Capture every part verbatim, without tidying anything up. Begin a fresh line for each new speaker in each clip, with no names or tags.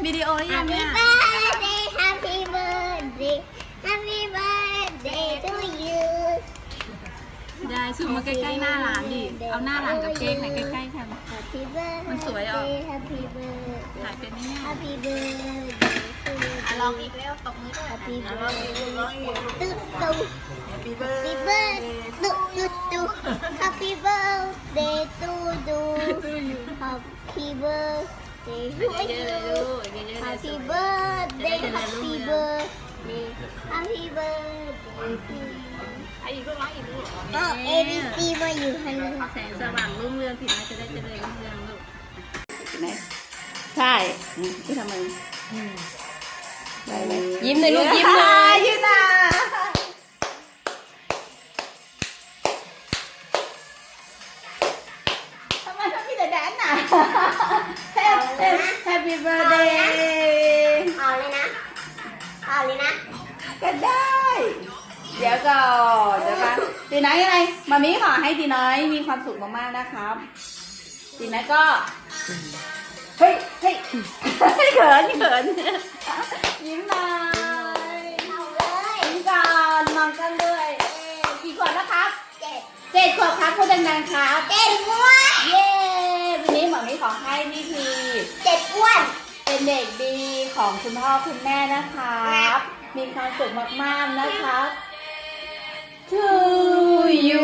วิดีโอหรือยังเนี่ย
Happy birthday Happy birthday to you
ได้ซูมมาใกล้ๆหน้าร้านดิเอาหน้าร้านกับเค้กไหนใกล้ๆกัน
Happy birthday
มันสวยออก
Happy birthday
ถ่ายเป็นไหมเนี่ย
Happy birthday to you
อ่ะลองอีกแล้วตบมือด้วย
Happy
อ่ะลองอีกลองอีก
birthday ตุ๊ตุ๊
Happy
Happy birthday ตุ๊ตุ๊ตุ๊ Happy birthday to you Happy birthday to
เยอะๆเลย
you
ลูกเยอะๆเลย
Happy
สวย
birthday
จะได้เจริญรุ่
Happy
งเรือง
birthday Happy birthday to you
อ่ะอีกลูกร้องอีกลูก
ก็ A B C มาอยู่ข้างหน้า
แสงสว่างรุ่งเรืองถึงแม้จะได้เจริญรุ่งเรืองลูกไหนใช่ที่ทำไมยิ้มเลยลูกยิ้มเลยยิ้มนะทำไมต้องมีแต่แดนน่ะ Happy birthday
เอาเลยนะเอาเลยนะ
ก็ได้ เดี๋ยวก่อนเดี๋ยวกันตีน้อยอะไรมามิขอให้ตีน้อยมีความสุขมากๆนะครับตีน้อยก็เฮ้ยเฮ้ยเขินเขินยิ้มหน่อย
เอาเลย
ยิ้มก่อนมองกันด้วยเอ๊ะกี่ขวบแล้วครับ
เจ็ด
เจ็ดขวบครับพูดดังๆครับ
เจ็ดอ้วน
เย้วันนี้หมอมิขอให้นี่คือ
เจ็ดอ้วน
เป็นเด็กดีของคุณพ่อคุณแม่นะครับ มีความสุขมากๆนะครับ To you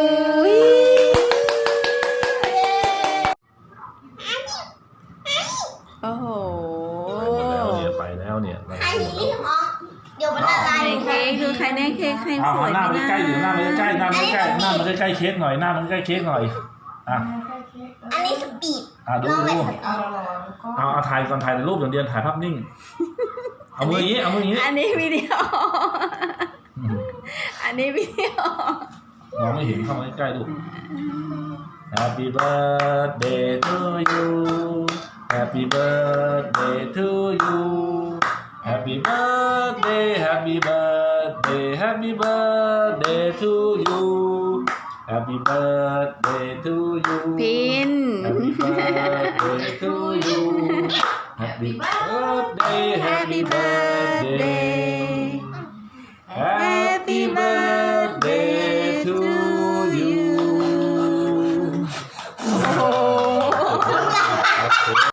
โอ้โห
แล้วเนี่ยไปแล้วเนี่ยไป
อัน
หมด
นี้
แล้ว
หอมเดี๋ยวมันละลาย
ในเค้กดูใครได้เค้กใคร
เอา
สวย
หน้า
ไหม
มัน
นะ
ใกล้ๆอยู่หน้ามันใกล้ๆหน้ามันใกล้ๆหน้ามันใกล้ๆเค้กหน่อยหน้ามันใกล้เค้กหน่อยอ่ะ
อันนี้สปีด
อ่ะดู
ลอง
ดู
ไปสปีด
เอาเอาถ่ายก่อนถ่ายรูปอย่างเดียวถ่ายภาพนิ่งเอามืออย่างนี้เอามืออย่างนี้
อันนี้วิดีโอ
อืม
อันนี้วิดีโอ
มองไม่เห็นเข้ามาใกล้ๆดู Happy birthday to you Happy birthday to you Happy birthday Happy birthday Happy birthday to you Happy birthday to you
พิน
Happy birthday to you Happy birthday Happy birthday